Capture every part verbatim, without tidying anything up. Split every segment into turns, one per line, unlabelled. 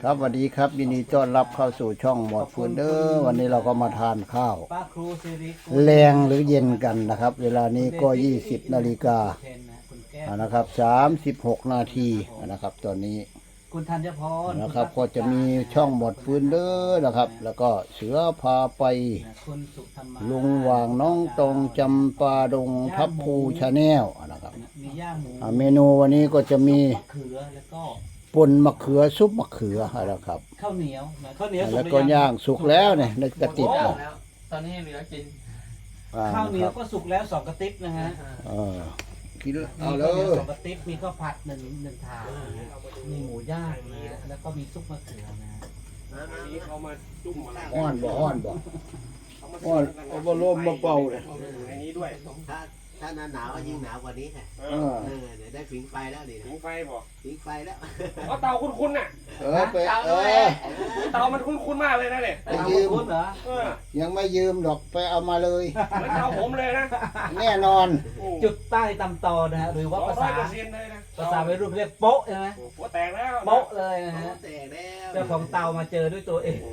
ครับสวัสดีครับยินดีต้อนรับเข้าสู่ช่องหมวดฟืนเด้อวันนี้เราก็มาทานข้าวแรงหรือเย็นกันนะครับ เวลานี้ก็ยี่สิบนาฬิกานะครับสามสิบหกนาทีนะครับตอนนี้
คุณธัญพร
นะครับก็จะมีช่องหมวดฟืนเด้อนะครับ แล้วก็เสือพาไปลุงวางน้องตรงจำปาดงทับภูชาแนลนะครับเมนูวันนี้ก็จะมี
เขือแล้วก็
ป่นมะเขือซุปมะเขือนะครับ
ข้าวเหนียวข้าวเหนียว
แล้วก็ย่างสุกแล้วเนี่ยในกระติบแล้ว
ตอนนี้เหลือกิน
ข้าวเหนียวก็สุกแล้วสองกระติบนะฮะ
กินเอา
เล
ย
สองกระติบมีข้าวผัดหนึ่งหนึ่งถาดมีหมูย่างนะแล้วก็มีซุปมะเขือนะ
อันนี้เขามาจุ่มอะไร
อ้อนบ่อ้อนบ่อ้อนเอาบ่ลมมาเป่าเลย
ในนี้ด้วย
ถ้าถ้าหน้าหนาวก็ยิ่งหนาวกว่านี้ค่ะเออเดี๋ยวได้ผิงไฟแล้วดิ
ผิงไฟบ่
ผิงไฟแล้ว
เอาเตาคุ้นๆน่ะ
เออไปเออ
เตามันคุ้นๆมากเลยนะเนี่ย
ไปยืมเหรอ
ยังไม่ยืมดอกไปเอามาเลย
เหมือนเตาผมเลยนะ
แน่นอน
จุดใต้ตำตอนะฮะหรือว่าภาษาภาษาวัยรุ่นเรียกโป๊ะใช่ไหม
โป๊ะแตกแล้ว
โป๊ะเลยนะฮะ
แตกแล้ว
เจ้าของเตามาเจอด้วยตัวเอง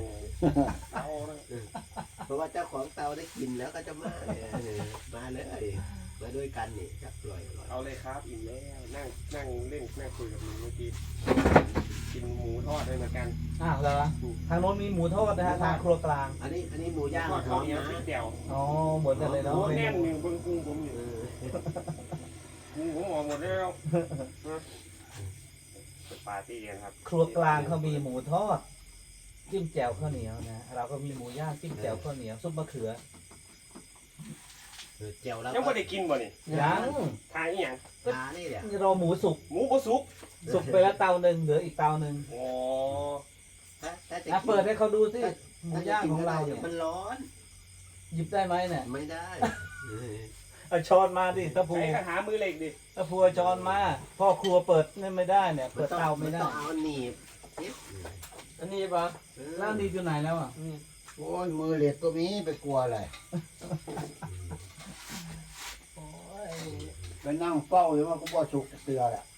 เพราะว่าเจ้าของเตาได้กินแล้วก็จะมามาเลยมาด้วยกันนี่จับปล่อย
เอาเลยครับอิ่มแล้วนั่งนั่งเล่นนั่งคุยกับมึงเมื่อกี้กินหมูทอดด้วยเหมือนกัน
อ้าวเหรอทางโน้นมีหมูทอดนะฮะทางครัวกลาง
อันนี้อันนี้หมูย่าง
ข้าวเหนียวพริกแจ่ว
อ๋อหมดกันเลยเนาะ
แน่นอยู่เบิ้งกุ้งผมอยู่กุ้งผมออกหมดแล้วปาร์ตี้กันครับ
ครัวกลางเขามีหมูทอดจิ้มแจ่วข้าวเหนียวนะเราก็มีหมูย่างจิ้มแจ่วข้าวเหนียวซุปมะเขือ
เจียวแล้ว
ยังไม่ได้กินบ่นี่
ยัง
ทานอีหยัง
ทานนี่เดี๋ยว
รอหมูสุก
หมูก็สุก
สุกไปแล้วเตาหนึ่งเหลืออีกเตาหนึ่ง
อ๋อ
ถ้าเปิดให้เขาดูสิหมูย่างของเราเนี่ย
มันร้อน
หยิบได้ไหมเนี่ย
ไม่ได้
เอาช้อนมาดิถ้าพู
ใช้หามือเหล็กดิ
ถ้าพูช้อนมาพ่อครัวเปิดนี่ไม่ได้เนี่ยเปิดเตาไม่ได้
ต้องเอาหนีบ
อันนี้ปะ
แล้วนี่อยู่ไหนแล้วอ่ะ
โอ้ยมือเหล็กก็มีไปกลัวอะไรไปนั่งเฝ้าอยู่ว่ากูบ่สุกเตือแหละ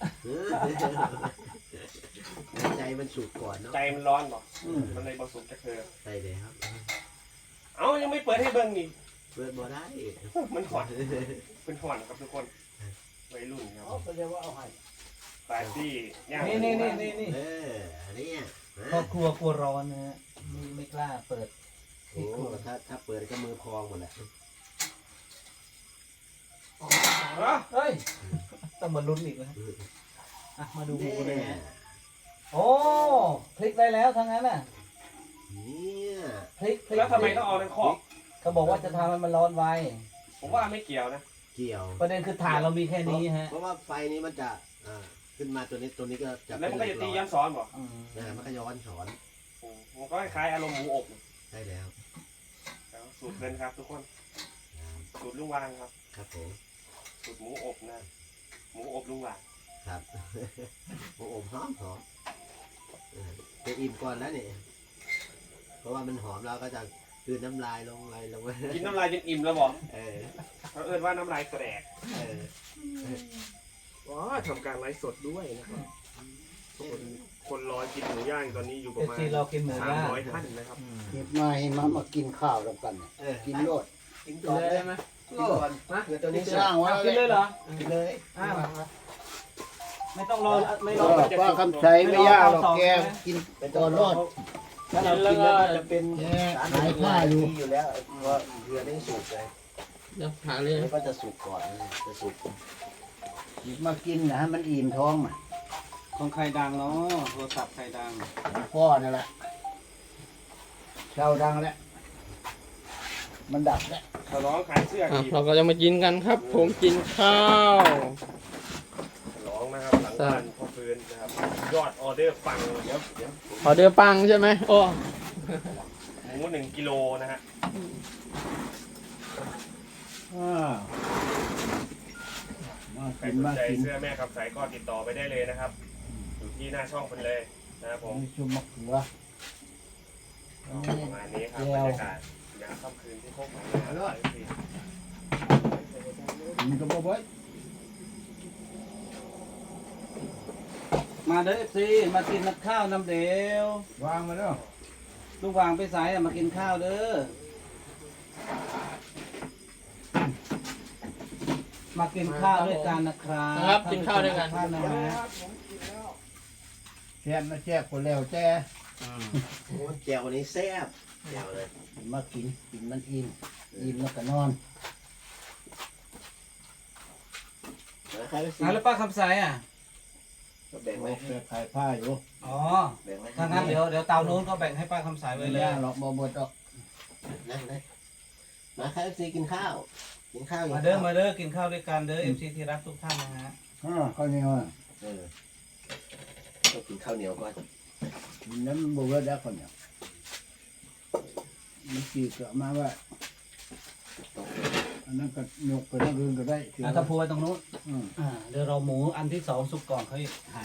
ใจมันสุกก่อนเนาะ
ใจมันร้อนบ่มันเลยบ่สุกจะเธอ
ใช่เลยครับ
เอ้ายังไม่เปิดให้เบิ่งนี่
เปิดบ่ได้
มันหอนเป็นหอนครับทุกคนวัยรุ่นครับ
เขาจะว่าเอาให้
ปาร์ตี้
นี่นี่นี่นี่นี่
เอออันนี้
ครอบครัวกลัวร้อนนะฮะไม่ไม่กล้าเปิด
โอ้ถ้าถ้าเปิดก็มือพองหมดแหละ
เฮ้ยต้องมาลุ้นอีกนะอ่ะมาดูเลยโอ้พลิกได้แล้วทั้งนั้นน่ะ
เนี่ย
พลิก
แล้วทำไมต้องเอาในคอก
เขาบอกว่าจะทำให้มันร้อนไว
ผมว่าไม่เกี่ยวนะ
เกี่ยว
ประเด็นคือถ่านเรามีแค่นี้ฮะ
เพราะว่าไฟนี้มันจะอ่าขึ้นมาตัวนี้ตัวนี้ก็จะ
แล้วมันก็จะตีย้อนซ้อนบ่
นะมันก็ย้อนสอน
มันก็คล้ายอารมณ์หมูอบ
ใช่แล้ว
สูตรเดินครับทุกคนสูตรลุงวางครับ
ครับผม
สูตรหมูอบนะหมูอบลุงวาง
ครับหมูอบหอมหอมจะอิ่มก่อนแล้วเนี่ยเพราะว่ามันหอมเราก็จะคืนน้ำลายลงไปลงไป
กินน้ำลายจนอิ่มแล้วบอก
เออ
เขาเอิ้นว่าน้ำลายแตก
เออ
ว้าทำการไลฟ์สดด้วยนะครับคนคนรอกินหมูย่างตอนนี้อยู่ประมาณสามร้อยท่านนะครับ
เก็บมาให้มามากินข้าวแล้วกันกินโลด
กินก่อนได้ไหมกินก่อนนะเดี๋ยวตัวนี้
สร้างไว้
กินเลยเหรอ
กินเลย
อ้าวไม่ต้องรอไม่รอ
ว่าคำใช้ไม่ยากหรอกแกกินไปตอนรอด
ถ้าเรากินแล้วจะเป็นสารผ้าอยู่อยู่แล้วเพราะเรือได้สุกเลย
เดี๋ยวหาเลย
ก็จะสุกก่อนจะสุก
หยิบมากินนะมันอิ่มท้องอ่ะ
ของใครดังเนาะโทรศัพท์ใครดัง
พ่อนั่นแหละเช่าดังแล้วมันดับแล้ว
เขาร้องขายเสื้อ
เราก็จะมากินกันครับผมกินข้าว
ร้องนะครับหลังบ้านพ่อฟื้นนะครับยอดออเดอร์ปังเดี๋ยวเดี๋ยว
ออเดอร์ปังใช่ไหมโอ้
หมูหนึ่งกิโลนะฮะใครสนใจเสื้อแม่คำใสก็ติดต่อไปได้เลยนะครับอยู่ที่หน้าช่องคนเลยนะครับผม
ชุมมะเขือ
ประมาณนี้ครับบรรยากาศยามค่ำคืนที่โคกหนองนา
มันก็บ่อย
มาเด้อเอฟซีมากินนักข้าวน้ำเดียว
วางมาแล้ว
ลูกวางไปสายอะมากินข้าวเด้อมากินข้าวด้วยกันนะครับ
นะครับกินข้าวด้วยกัน
ท่านนะฮะ
แช่มาแช่คนแล้วแช่
โอ้แจ่ววันนี้แซ่บแจ่วเลย
มากินกินมันอิ่มอิ่มแล้วก็นอน
นะครับ
อ่ะแล้วป้าคำสายอ่ะ
ก็แบ่งไว้
โอ้แช่ขายผ้าอยู่
อ๋อ
แบ่งไว้
ถ้างั้นเดี๋ยวเดี๋ยวเตานู้นก็แบ่งให้ป้าคำสายไว้
ไม่
เลย
ย่างหรอกบ่หมดหรอก
นั่งเลยมาครับซีกินข้าว กินข้าวกิน
มา
ข้าว
เด้อมาเด้อกินข้าวด้วยกันเด้อเอฟซีที่รักทุกท่านนะฮะ
อ่าข้าวเหนียวอ่ะ
เออต้องกินข้าวเหนียวก่อน
น้ำบ่เบิดแล้วข้าวเหนียวมันกี่เกลือมาว่า
ต้อง
อันนั้นก็ยกไปนั่งอื่นก็ได้เชื่อ
อ่ะถ้าพูไว้ตรงนู้น
อืม
อ่าเดี๋ยวเราหมูอันที่สองสุกก่อนค่อยหั่น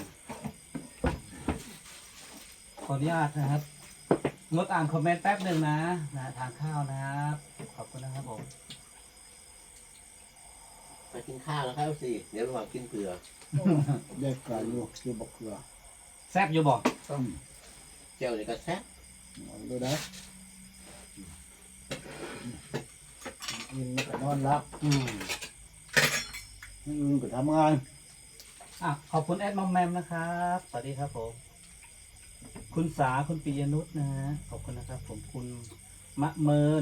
ขออนุญาตนะครับงดอ่านคอมเมนต์แป๊บหนึ่งนะนะทานข้าวนะครับขอบคุณนะครับผม
มากินข้าวแล้วครับซีเดี๋ยวระหว่างกินเกลือ
ได้กาอยู่คือบอกเกลือ
แซ่บอยู่บ่
ต้อง
แจ่วนี่ก็แซ่บ
เอาดูได้กินแล้วก็นอนรับ
อืม
มื้ออื่นก็ทำงาน
อ่ะขอบคุณแอดมอมแมมนะครับสวัสดีครับผม คุณสาคุณปิยนุชนะฮะขอบคุณนะครับ ผมคุณมะเมิน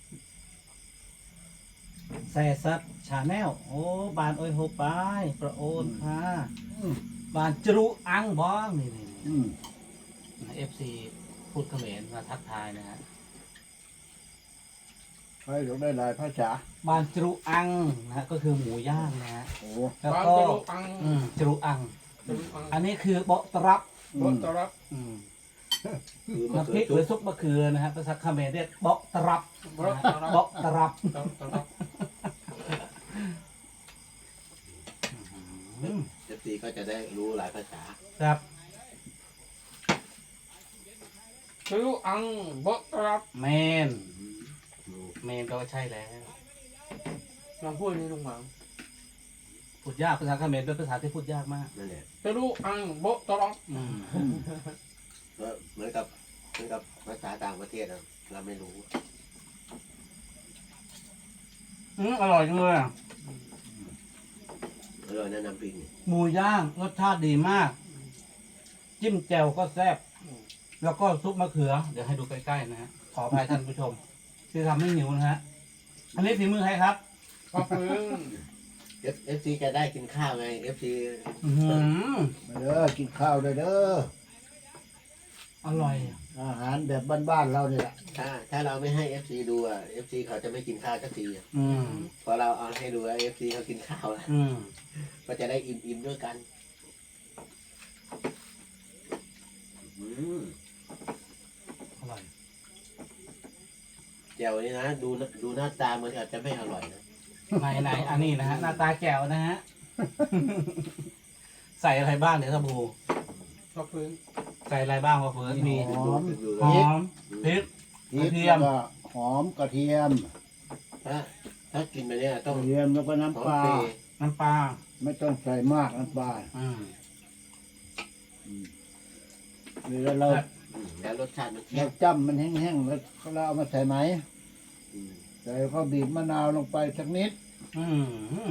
แซซัดชาแนลโอ้บานโอยโฮปายประโอนค่ะ
อืม
บานจรุอังบ้องนี่นี่
อืม
เอฟซีพูดเขมรมาทักทายนะฮะ
ใครอยากได้หลายภาษา
บานจรุอังนะฮะก็คือหมูย่างนะฮะ
โอ้
แล้ว
บาง
ก็
จะรู้อัง
อืมจรุอัง
จะรู้อัง
อันนี้คือเบาะตรับ
อื
รถ
ม
ตรับ
อืม
คือมะ
น้ำพ
เขื
ริ
อก
ห
จุ๊
รือบ ซุปมะเขือนะฮะภาษาเขมรเรียกเบาะตรับ
รถ
นะ
ต
ฮะ
รับ
เบาะตรับ
ตรับตรับ
อืม
เอฟซีก็จะได้รู้หลายภาษา
ครับ
จะรู้อังบดตรับ
เมน
อืม
เมนก็ใช่แล้ว
ลองพูดนี่ลุงหวัง
พูดยากภาษาเขมรเป็นภาษาที่พูดยากมาก
นั่นแหละ
จะรู้อังบดตรับ
อืม
ก็เหมือนกับเหมือนกับภาษาต่างประเทศอะเราไม่รู้
อืมอร่อยจังเลยอะ
อร่อยแนะนำปิง
หมูย่างรสชาติดีมาก จิ้มแจ่วก็แซ่บแล้วก็ซุปมะเขือ เดี๋ยวให้ดูใกล้ๆนะฮะขออภัยท่านผู้ชม ที่ทำให้หิวนะฮะอันนี้ฝีมือใครครับ
ปลาพึ่ง
เอฟเอฟซีจะได้กินข้าวไงเอฟซี
อื้อหือ
มาเด้อกินข้าวด้วยเด้อ
อร่อย
อาหารแบบบ้านๆเราเนี่ยแหละ
ถ้าถ้าเราไม่ให้เอฟซีดูอ่ะเอฟซีเขาจะไม่กินข้าวสักทีอะ
อืม
พอเราเอาให้ดูเอฟซีเขากินข้าวแล้ว
อืม
ก็จะได้อิ่มอิ่มๆด้วยกันอืม
อร่อย
แจ่วนี่นะดูดูหน้าตาเหมือนอาจจะไม่อร่อยนะ
ไหนไหนอันนี้นะฮะหน้าตาแจ๋วนะฮะ ใส่อะไรบ้างเดี๋ยวสบู่
ปลาพึ่ง
ใส่อะไรบ้างวะเฟิร์สมี
หอม
ดู
หอมพริก
พริก
กระเทียม
แล้วก็หอมกระเทียม
ถ้าถ้ากินไปเนี่ย
ก
ต้อง
ระเทียมแล้วก็
หอ
น้ำ
ม
ปลา
เปรย์
น้ำปลา
ไม่ต้องใส่มากน้ำปลา
อืม
เวลาเรา
อืมแล้วรสชาติมันเข้
เรา
ม
จ้ำมันแห้งๆแล้วเราเอามาใส่ไหม
อืม
ใส่ข้าวบีบมะนาวลงไปสักนิด
อืม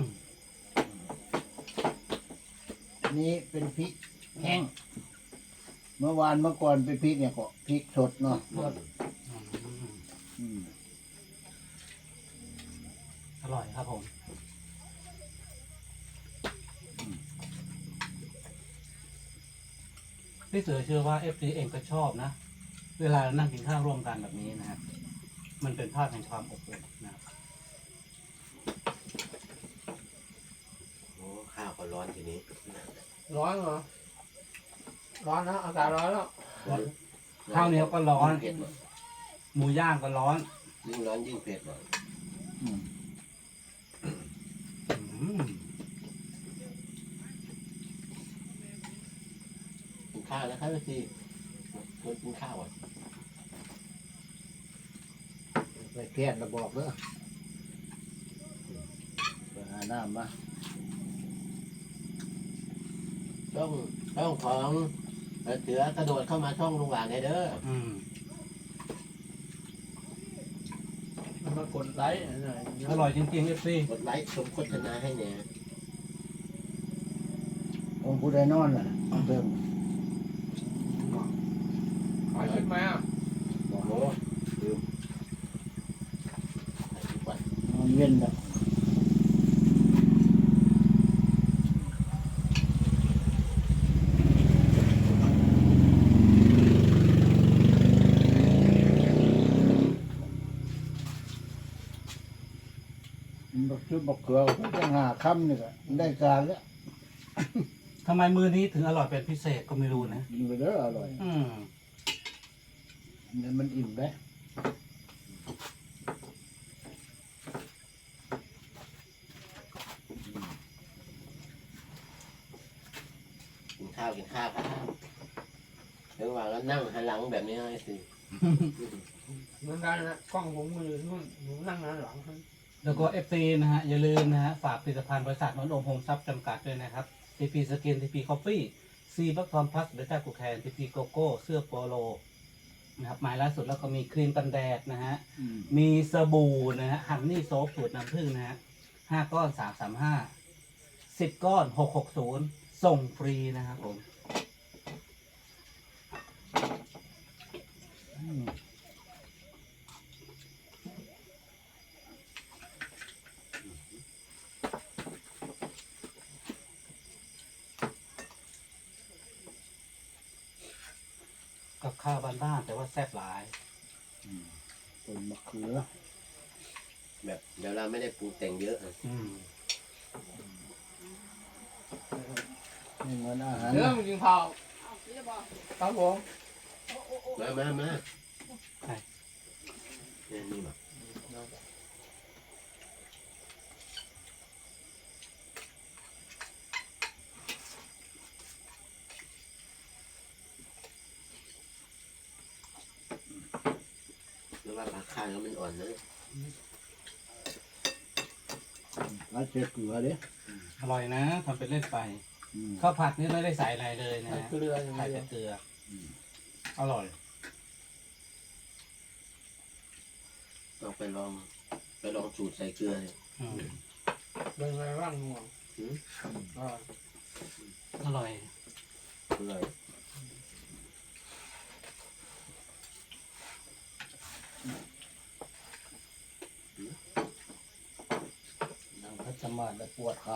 นี้เป็นพริกแห้ง เมื่อวานเมื่อก่อนเป็นพริกเนี่ยก็พริกสดเนาะ
อืม
อืม
อร่อยครับผม พี่เสือเชื่อว่าเอฟซีเองก็ชอบนะ เวลานั่งกินข้าวร่วมกันแบบนี้นะครับ มันเป็นภาพแห่งความอบอุ่นนะครับ
โอ้ข้าวก็ร้อนทีนี้
ร้อนเหรอร้อนนะอากาศร้อนแล้ว
ข้าวเหนียวก็ร้อน
เผ็ดหมด
หมูย่างก็ร้อน
ยิ่งร้อนยิ่งเผ็ดหมด
อืม
อืม
กินข้าวแล้วครับพี่คนกินข้าวอ่ะ
ไปแพทย์ระบอกเด้อไปหาน้ำมา
ต้องช่องของเสือกระโดดเข้ามาช่องลุงหวานได้เด้อ
อืม
มันมากดไลค์หน่อย
อร่อยจริงๆเอฟซี
กดไลค์ชมโฆษณาให้เนี่ย
องค์ผู้ใดนอนน่ะเบิ่ง
ขอชุดไหมอ่ะ
โอ้โหลืมใส่ทุกวัน
นอนเว้นแบบบักชุดบักเขือก็จะหาคำนี่ก็ได้การแล้ว
ทำไมมือนี้ถึงอร่อยเป็นพิเศษก็ไม่รู้นะ
กินไปเด้ออร่อย
อืม
เนี่ยมันอิ่มได้
กินข้าวกินข้าวครับเดี๋ยวว่าแล้วนั่งหันหลังแบบนี้ให้สิ
เหมือนกันนะกล้องผมมือนู่นหนูนั่งด้านหลัง
แล้วก็เอฟซีนะฮะอย่าลืมนะฮะฝากผลิตภัณฑ์บริษัทนนท์โอมโฮมซับจำกัดด้วยนะครับทีพีสกินทีพีคอฟฟี่ซีบัคทอมพัสเบต้ากูแคนทีพีโกโก้เสื้อโปโลนะครับหมายล่าสุดแล้วก็มีครีมกันแดดนะฮะ
อืม
มีสบู่นะฮะฮันนี่โซฟสูตรน้ำผึ้งนะฮะห้าก้อนสามสามห้าสิบก้อนหกหกศูนย์ส่งฟรีนะครับผม
อืม
กับข้าวบ้านๆแต่ว่าแซ่บหลาย
ต้นมะเขือ
แบบเดี๋ยวเราไม่ได้ปรุงแต่งเยอะอะ
อืม
นี่เหมือนอาหาร
เรื่องกินข้าวครับผม
มามามา
ใช่
เนี่ยนี่แบบแล้วว่าปลาคางแล้วมันอ่อนนะ
แล้วเจอเกลือเด้
อร่อยนะทำเป็นเล่นไป
อืม
ข้าวผัดนี่ไม่ได้ใส่อะไรเลยนะ
ใส่
ฮะ
เกลืออย่าง
ใส่
เดีย
แต่
ว
เกลือออร่อย
ต้องไปลองไปลองสูตรใส่เกลือเนี่ย
อืม
เป็นไงบ้างง่วง
หืม
อ่า
อร่อย
อร่อย
นั่งพัชมาแล้วปวดขา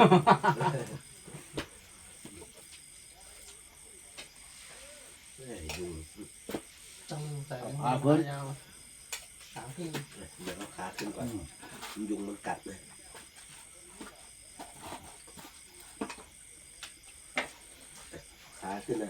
เอ้ยยุง
ต้องใส่ยาวสามที่
เดี๋ยวเอาขาขึ้นก่อน
อืม
ยุงมันกัดนะขาขึ้นนะ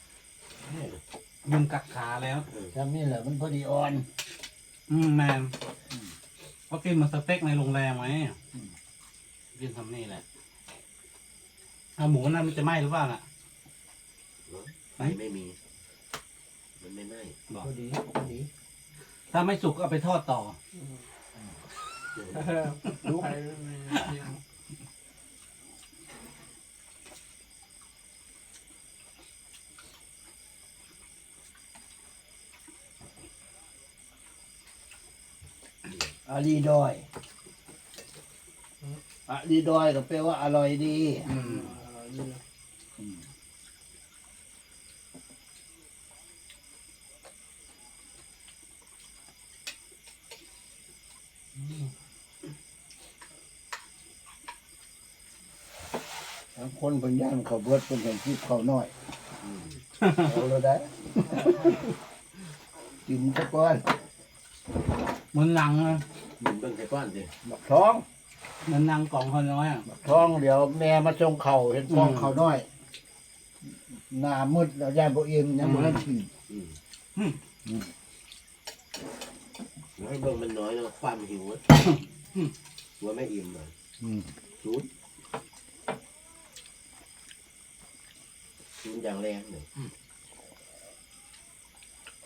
ยุงกัดขาแล้ว
ทำนี่แหละมันพอดีอ่อน
อืมแมนก็กินเหมาสเต็กในโรงแรมไหม
อืม
กินทำนี่แหละเอาหมูนั่นมันจะไหม้หรือเปล่าน่ะ
ไฟไม่มี มันไม่ไหม้
บอก
พอดีพอดี
ถ้าไม่สุกก็เอาไปทอดต่อ
ลูกใครไม่ยิง
อาลีดอยอาลีดอยก็แปลว่าอร่อยดี
อืม
อร่อยดี
อืมทั้งคนเป็นย่านเขาวเบิดเป็นเห็นที่เขาวน้อยเอาเลยได้ กินสักก้อน
เหมือนหนังอะ
หมุนเบิ่งใส่ก้อนสิ
บักท้อง
เหมือนหนังกล่องเขาน้อยอะ
บักท้องเดี๋ยวแม่มาจงเข่าเห็นฟองเขาวน้อย หน้ามืดแล้วย่านบ่เอ็มยังบ่ทันกิน
อืมน้อยเบิ่งมันน้อยแล้วความหิวอะหัวไม่อิ่มเลย
อืม
ศูนย์ศูนย์อย่างแรงเลย
อืม